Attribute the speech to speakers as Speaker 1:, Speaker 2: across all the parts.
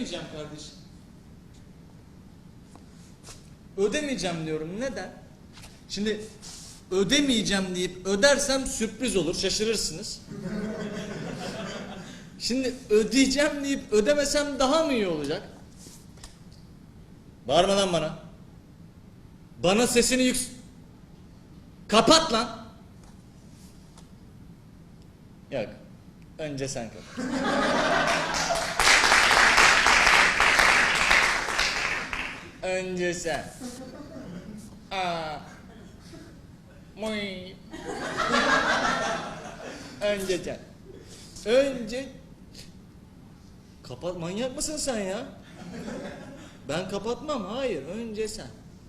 Speaker 1: ödemeyeceğim kardeşim. Ödemeyeceğim diyorum. Neden? Şimdi ödemeyeceğim deyip ödersem sürpriz olur, şaşırırsınız. Şimdi ödeyeceğim deyip ödemesem daha mı iyi olacak? Bağırma lan bana. Bana sesini kapat lan. Yok. Önce sen kapat. Önce sen. Muy. Önce sen. Önce. Kapat, manyak mısın sen ya? Ben kapatmam, hayır, önce sen.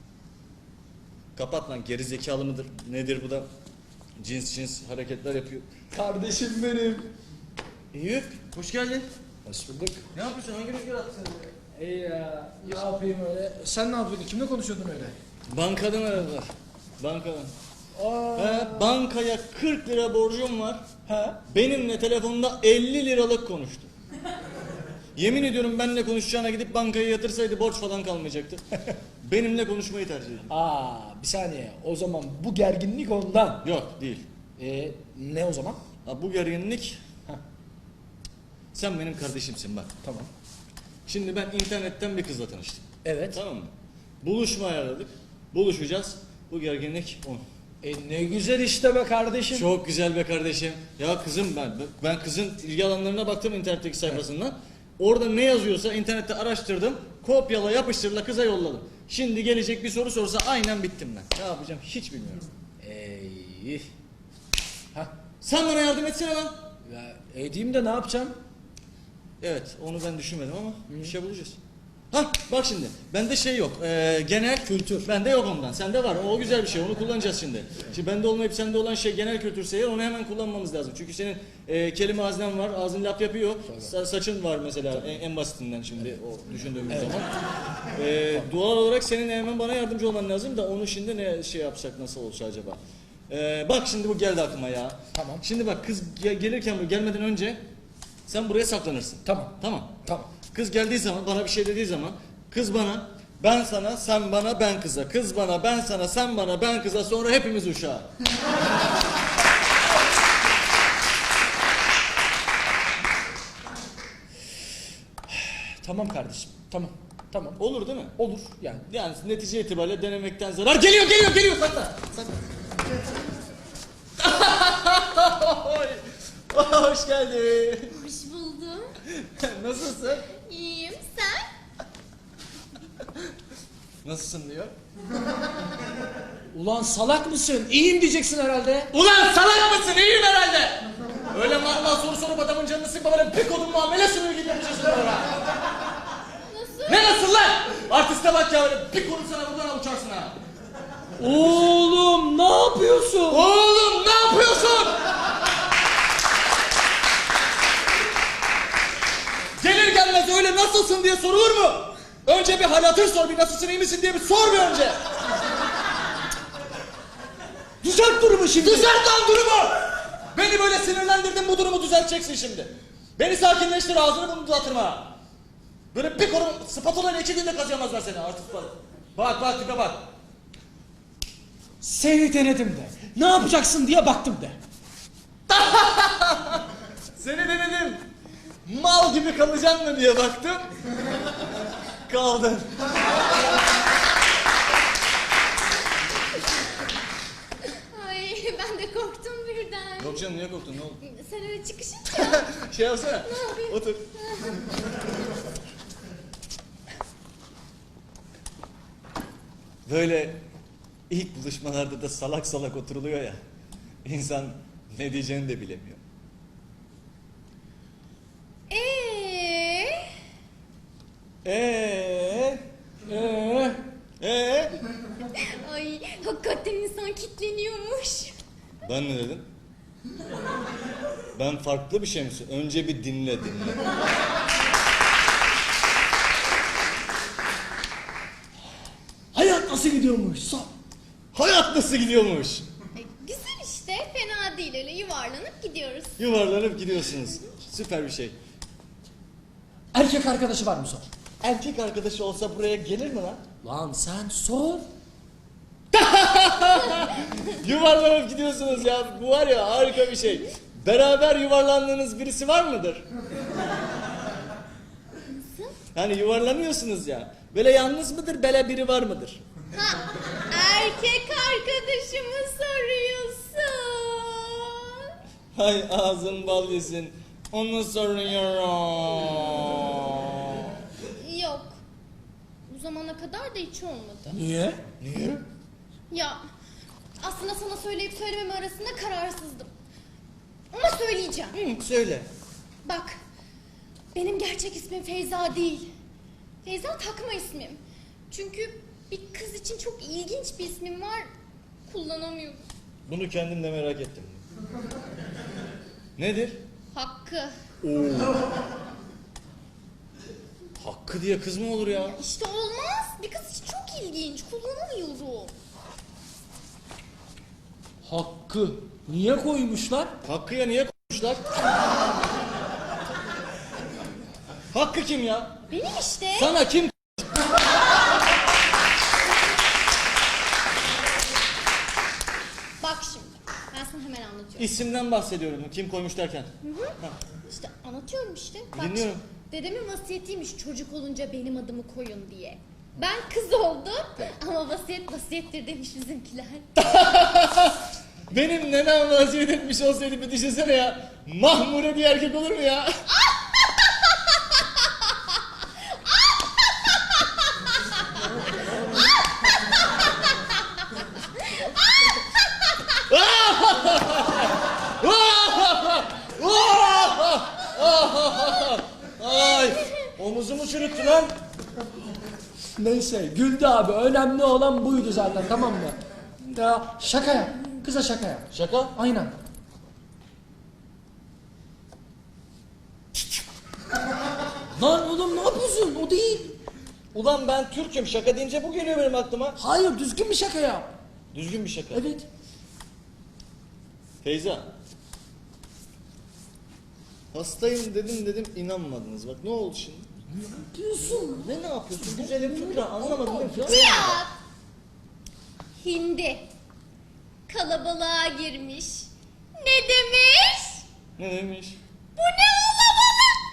Speaker 1: Kapat lan, geri zekalı mıdır? Nedir bu da? Cins hareketler yapıyor.
Speaker 2: Kardeşim benim.
Speaker 1: Eyüp, hoş geldin.
Speaker 2: Hoş bulduk.
Speaker 1: Ne yapıyorsun? Hangi rüzgar attı seni?
Speaker 2: İyi ya. Ne yapayım öyle? Sen ne yapıyordun? Kimle konuşuyordun öyle?
Speaker 1: Bankadan aradılar. Bankadan.
Speaker 2: Aa.
Speaker 1: Bankaya 40 lira borcum var.
Speaker 2: He?
Speaker 1: Benimle telefonda 50 liralık konuştu. Yemin ediyorum benimle konuşacağına gidip bankaya yatırsaydı borç falan kalmayacaktı. Benimle konuşmayı tercih ediyor.
Speaker 2: Bir saniye. O zaman bu gerginlik ondan.
Speaker 1: Yok, değil.
Speaker 2: Ne o zaman?
Speaker 1: Ha, bu gerginlik... Sen benim kardeşimsin bak.
Speaker 2: Tamam.
Speaker 1: Şimdi ben internetten bir kızla tanıştım.
Speaker 2: Evet.
Speaker 1: Tamam mı? Buluşma ayarladık. Buluşacağız. Bu gerginlik 10.
Speaker 2: Ne güzel işte be kardeşim.
Speaker 1: Çok güzel be kardeşim. Ya kızım ben kızın ilgi alanlarına baktım internetteki sayfasından. Evet. Orada ne yazıyorsa internette araştırdım. Kopyala yapıştırla kıza yolladım. Şimdi gelecek bir soru sorsa aynen bittim ben. Ne yapacağım hiç bilmiyorum. Sen bana yardım etsene lan.
Speaker 2: Ya, edeyim de ne yapacağım?
Speaker 1: Evet, onu ben düşünmedim ama bir şey bulacağız. Bak şimdi, bende şey yok, genel kültür. Bende yok ondan, sende var. O güzel bir şey, onu kullanacağız şimdi. Şimdi bende olmayıp sende olan şey genel kültürse eğer onu hemen kullanmamız lazım. Çünkü senin kelime haznen var, ağzın laf yapıyor. Saçın var mesela en basitinden şimdi o düşündüğümüz zaman. Doğal olarak senin hemen bana yardımcı olman lazım da onu şimdi ne şey yapsak nasıl olsa acaba? Bak şimdi bu geldi aklıma ya.
Speaker 2: Tamam.
Speaker 1: Şimdi bak kız gelirken gelmeden önce sen buraya saklanırsın.
Speaker 2: Tamam.
Speaker 1: Tamam.
Speaker 2: Tamam.
Speaker 1: Kız geldiği zaman bana bir şey dediği zaman kız bana, ben sana, sen bana, ben kıza. Kız bana, ben sana, sen bana, ben kıza. Sonra hepimiz uşağa.
Speaker 2: Tamam kardeşim. Tamam. Tamam.
Speaker 1: Olur değil mi?
Speaker 2: Olur yani.
Speaker 1: Yani netice itibariyle denemekten zarar. Geliyor. Sakla. Hoş geldin.
Speaker 3: Hoş buldum.
Speaker 1: Nasılsın?
Speaker 3: İyiyim. Sen?
Speaker 1: Nasılsın diyor.
Speaker 2: Ulan salak mısın? İyiyim diyeceksin herhalde.
Speaker 1: Ulan salak mısın? İyiyim herhalde. Öyle mal soru sorup adamın canını sıkma böyle bir kodun muamele sınırı gibi yapacaksın bana.
Speaker 3: Nasıl?
Speaker 1: Ne nasıl lan? Artiste bak ya öyle bir kodun sana buradan uçarsın ha.
Speaker 2: Oğlum ne yapıyorsun?
Speaker 1: Oğlum ne yapıyorsun? Gelir gelmez öyle nasılsın diye sorulur mu? Önce bir hal hatır sor, bir nasılsın iyi misin diye bir sor bir önce.
Speaker 2: Düzelt durumu şimdi.
Speaker 1: Düzelt lan durumu! Beni böyle sinirlendirdin, bu durumu düzelteceksin şimdi. Beni sakinleştir, ağzını bunu uzatırma. Böyle bir konu spatula ile 2 günde kazıyamazlar seni artık. Bak tipe bak.
Speaker 2: Seni denedim de. Ne yapacaksın diye baktım de.
Speaker 1: Seni denedim. Mal gibi kalacaksın mı diye baktım. Kaldın.
Speaker 3: Ay ben de korktum birden.
Speaker 1: Yok canım niye korktun ne oldu?
Speaker 3: Sen öyle çıkışınca.
Speaker 1: Şey yapsana.
Speaker 3: Ne yapayım?
Speaker 1: Otur. Böyle ilk buluşmalarda da salak salak oturuluyor ya. İnsan ne diyeceğini de bilemiyor.
Speaker 3: Ay hakikaten insan kitleniyormuş.
Speaker 1: Ben ne dedim? Ben farklı bir şey mi söylüyorum? Önce bir dinle.
Speaker 2: Hayat nasıl gidiyormuş?
Speaker 1: Hayat nasıl gidiyormuş?
Speaker 3: Güzel işte fena değil öyle yuvarlanıp gidiyoruz.
Speaker 1: Yuvarlanıp gidiyorsunuz. Süper bir şey.
Speaker 2: Erkek arkadaşı var mı sor?
Speaker 1: erkek arkadaşı olsa buraya gelir mi lan?
Speaker 2: Lan sen sor.
Speaker 1: Yuvarlanıp gidiyorsunuz ya. Bu var ya harika bir şey. Beraber yuvarlandığınız birisi var mıdır? Yani yuvarlanıyorsunuz ya. Böyle yalnız mıdır, böyle biri var mıdır?
Speaker 3: Ha, erkek arkadaşımı soruyorsun.
Speaker 1: Hay ağzın bal yesin. Onu soruyorum.
Speaker 3: Yok. Bu zamana kadar da hiç olmadı.
Speaker 2: Niye?
Speaker 1: Niye?
Speaker 3: Ya aslında sana söyleyip söylememe arasında kararsızdım. Ama söyleyeceğim.
Speaker 1: Söyle.
Speaker 3: Bak, benim gerçek ismim Feyza değil. Feyza takma ismim. Çünkü bir kız için çok ilginç bir ismim var. Kullanamıyorum.
Speaker 1: Bunu kendim de merak ettim. Nedir?
Speaker 3: Hakkı.
Speaker 1: Hakkı diye kız mı olur ya?
Speaker 3: İşte olmaz. Bir kız için çok ilginç. Kullanamıyorum.
Speaker 2: Hakkı. Niye koymuşlar?
Speaker 1: Hakkı'ya niye koymuşlar? Hakkı kim ya?
Speaker 3: Benim işte.
Speaker 1: Sana kim?
Speaker 3: Bak şimdi. Ben sana hemen anlatıyorum.
Speaker 1: İsimden bahsediyorum. Kim koymuş derken. Ha.
Speaker 3: İşte anlatıyorum işte. Bak,
Speaker 1: Dinliyorum.
Speaker 3: dedemin vasiyetiymiş çocuk olunca benim adımı koyun diye. Ben kız oldum ama vasiyet vasiyettir demiş bizimkiler.
Speaker 1: Benim nenem vaziyet etmiş olsaydı bir düşünsene ya. Mahmure bir erkek olur mu ya? Ay, omuzumu çürüttü lan.
Speaker 2: Neyse güldü abi. Önemli olan buydu zaten, tamam mı? Ya şaka yap. Kıza şaka yap.
Speaker 1: Şaka?
Speaker 2: Aynen. Lan oğlum ne yapıyorsun? O değil.
Speaker 1: Ulan ben Türk'üm. Şaka deyince bu geliyor benim aklıma.
Speaker 2: Hayır, düzgün bir şaka yap.
Speaker 1: Düzgün bir şaka.
Speaker 2: Evet.
Speaker 1: Feyza. Hastayım dedim inanmadınız. Bak ne oldu şimdi?
Speaker 2: Ne yapıyorsun?
Speaker 1: Ne yapıyorsun? Güzelim fıkra anlamadım değil mi? Fıkra
Speaker 3: Cihat! Hindi. Kalabalığa girmiş. Ne demiş?
Speaker 1: ne demiş?
Speaker 3: Bu ne kalabalık?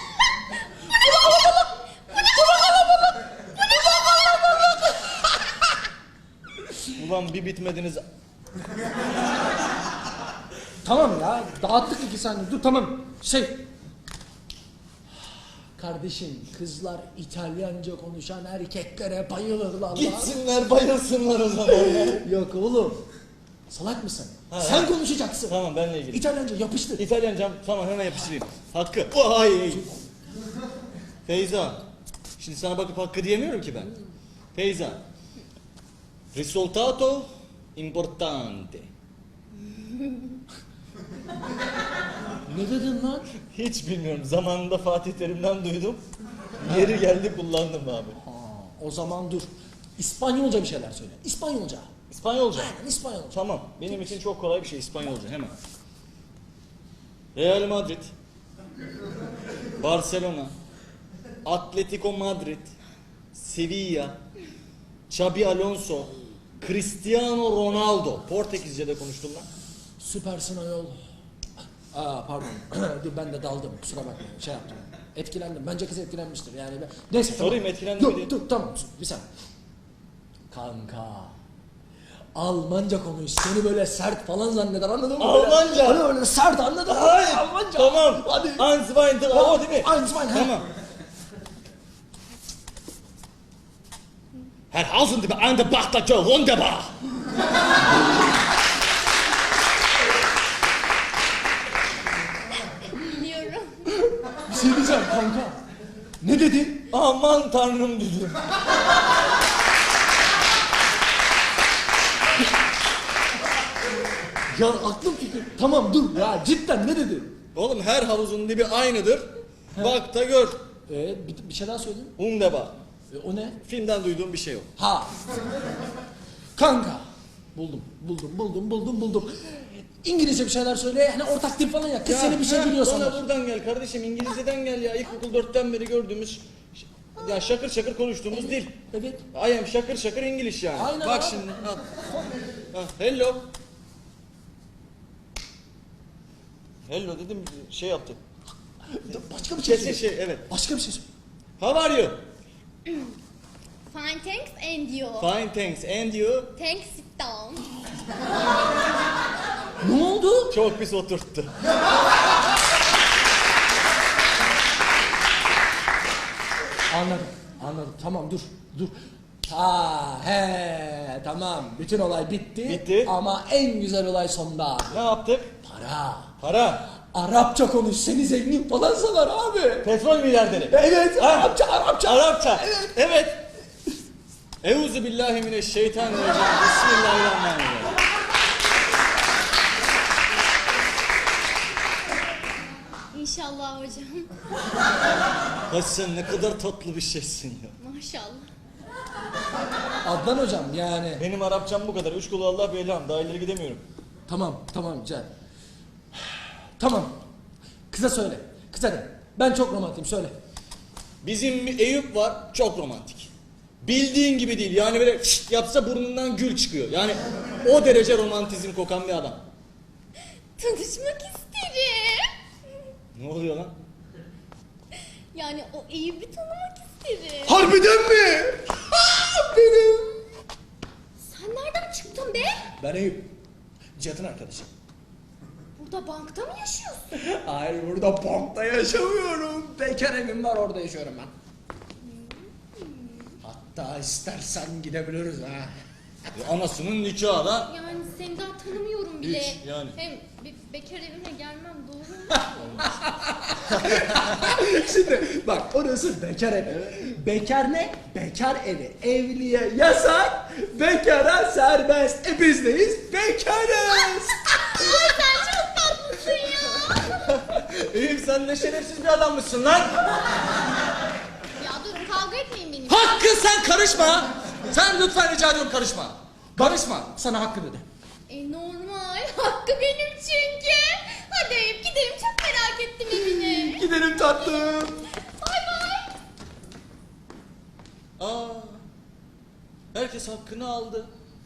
Speaker 1: Ulan bir bitmediniz.
Speaker 2: Tamam ya, dağıttık 2 saniye. Dur tamam. Kardeşim, kızlar İtalyanca konuşan erkeklere bayılırlar lan.
Speaker 1: Gitsinler bayılsınlar o zaman ya.
Speaker 2: Yok oğlum. Salak mısın?
Speaker 1: Ha,
Speaker 2: Sen
Speaker 1: ha.
Speaker 2: konuşacaksın.
Speaker 1: Tamam benle ilgili.
Speaker 2: İtalyanca yapıştır.
Speaker 1: İtalyancam tamam hemen yapıştırayım. Hakkı. Ay. Feyza. Şimdi sana bakıp Hakkı diyemiyorum ki ben. Feyza. Risultato importante.
Speaker 2: Ne dedin lan?
Speaker 1: Hiç bilmiyorum. Zamanında Fatih Terim'den duydum. Yeri geldi kullandım abi.
Speaker 2: O zaman dur. İspanyolca bir şeyler söyle. İspanyolca.
Speaker 1: İspanyolca.
Speaker 2: Aynen İspanyolca.
Speaker 1: Tamam. Benim için çok kolay bir şey İspanyolca hemen. Real Madrid. Barcelona. Atletico Madrid. Sevilla. Xabi Alonso. Cristiano Ronaldo. Portekizce'de konuştum lan.
Speaker 2: Süpersin ayol. Pardon. Dur ben de daldım. Kusura bakmayın. Şey yaptım. Etkilendim. Bence kız etkilenmiştir. Yani neyse.
Speaker 1: Sorayım,
Speaker 2: tamam.
Speaker 1: etkilendi mi diye.
Speaker 2: Dur tamam. Bir saniye. Kanka. Almanca konuş. Seni böyle sert falan zanneder, anladın mı?
Speaker 1: Almanca?
Speaker 2: Hani öyle sert, anladın mı?
Speaker 1: Hayır.
Speaker 2: Almanca.
Speaker 1: Tamam.
Speaker 2: Hadi.
Speaker 1: Eins, zwei, drei. O değil mi?
Speaker 2: Eins, zwei, he.
Speaker 1: Tamam. Herrhausen, die eine Bachtache, wunderbar.
Speaker 3: Biliyorum.
Speaker 2: Bir şey diyeceğim kanka. Ne dedi?
Speaker 1: Aman tanrım dedim.
Speaker 2: Ya aklım fikir. Tamam dur ya, cidden ne dedi?
Speaker 1: Oğlum her havuzun dibi aynıdır. Bak da gör.
Speaker 2: Bir şey daha söyleyeyim.
Speaker 1: Wunderbar.
Speaker 2: O ne?
Speaker 1: Filmden duyduğum bir şey yok.
Speaker 2: Ha. Kanka. Buldum. İngilizce bir şeyler söyle. Hani ortak dil falan ya. Kız seni bir şey biliyor
Speaker 1: Bana
Speaker 2: sanır.
Speaker 1: buradan gel kardeşim. İngilizceden gel ya. İlkokul 4'ten beri gördüğümüz. Ya şakır şakır konuştuğumuz dil.
Speaker 2: Evet.
Speaker 1: I am şakır şakır İngiliz yani.
Speaker 2: Aynen
Speaker 1: Bak
Speaker 2: abi.
Speaker 1: şimdi. Al. Ha, hello. Hello dedim şey yaptı.
Speaker 2: Başka bir şey
Speaker 1: Kesin
Speaker 2: söyle.
Speaker 1: şey evet.
Speaker 2: Başka bir şey söyle.
Speaker 1: How are you?
Speaker 3: Fine thanks and you.
Speaker 1: Fine thanks and you?
Speaker 3: Thanks sit down.
Speaker 2: Ne oldu?
Speaker 1: Çok pis oturttu.
Speaker 2: Anladım. Anladım. Tamam dur. Tamam. Bütün olay bitti.
Speaker 1: Bitti.
Speaker 2: Ama en güzel olay sonda.
Speaker 1: Ne yaptık?
Speaker 2: Para.
Speaker 1: Para.
Speaker 2: Arapça konuş. Seni zengin falan sanar abi.
Speaker 1: Petrol milyarderi.
Speaker 2: Evet.
Speaker 1: Ha?
Speaker 2: Arapça.
Speaker 1: Arapça. Evet. Euzu billahi mineşşeytanirracim. Bismillahirrahmanirrahim.
Speaker 3: İnşallah hocam.
Speaker 1: Ya sen ne kadar tatlı bir şeysin ya.
Speaker 3: Maşallah.
Speaker 2: Adnan hocam yani.
Speaker 1: Benim Arapçam bu kadar. Üç kulu Allah bir elham. Daha ileri gidemiyorum.
Speaker 2: Tamam Can. Tamam. Kıza söyle. Kıza de. Ben çok romantiyim söyle.
Speaker 1: Bizim bir Eyüp var. Çok romantik. Bildiğin gibi değil. Yani böyle şşt yapsa burnundan gül çıkıyor. Yani o derece romantizm kokan bir adam.
Speaker 3: Tanışmak isterim.
Speaker 1: Ne oluyor lan?
Speaker 3: Yani o Eyüp'ü tanımak isterim.
Speaker 2: Harbiden mi? Benim.
Speaker 3: Sen nereden çıktın be?
Speaker 2: Ben Eyüp. Cihat'ın arkadaşı.
Speaker 3: Burada bankta mı yaşıyorsun?
Speaker 2: Hayır burada bankta yaşamıyorum. Bekar evim var orada yaşıyorum ben. Hatta istersen gidebiliriz ha.
Speaker 1: Anasının nikahı lan.
Speaker 3: Yani seni daha tanımıyorum bile.
Speaker 1: Hiç, yani.
Speaker 3: Hem bir bekar evine gelmem doğru mu?
Speaker 2: Şimdi bak orası bekar evi. Bekar ne? Bekar evi. Evliye yasak, bekara serbest. Biz neyiz? Bekarız.
Speaker 3: Ay sen çok tatlısın ya.
Speaker 1: Eyüp sen ne şerefsiz bir adammışsın lan.
Speaker 3: Ya durun kavga etmeyin benimle.
Speaker 2: Hakkı sen karışma. Sen lütfen rica ediyorum karışma. Karışma. Sana Hakkı dedi.
Speaker 3: Normal. Hakkı benim çünkü. Hadi Eyüp gidelim çok merak ettim evine.
Speaker 2: Gidelim tatlım.
Speaker 3: Bay bay.
Speaker 1: Aa, herkes hakkını aldı.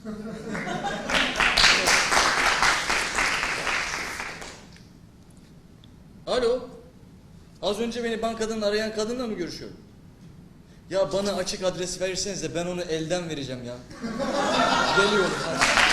Speaker 1: Alo. Az önce beni bankadan arayan kadınla mı görüşüyorum? Ya bana açık adres verirseniz de ben onu elden vereceğim ya. Geliyorum. Hadi.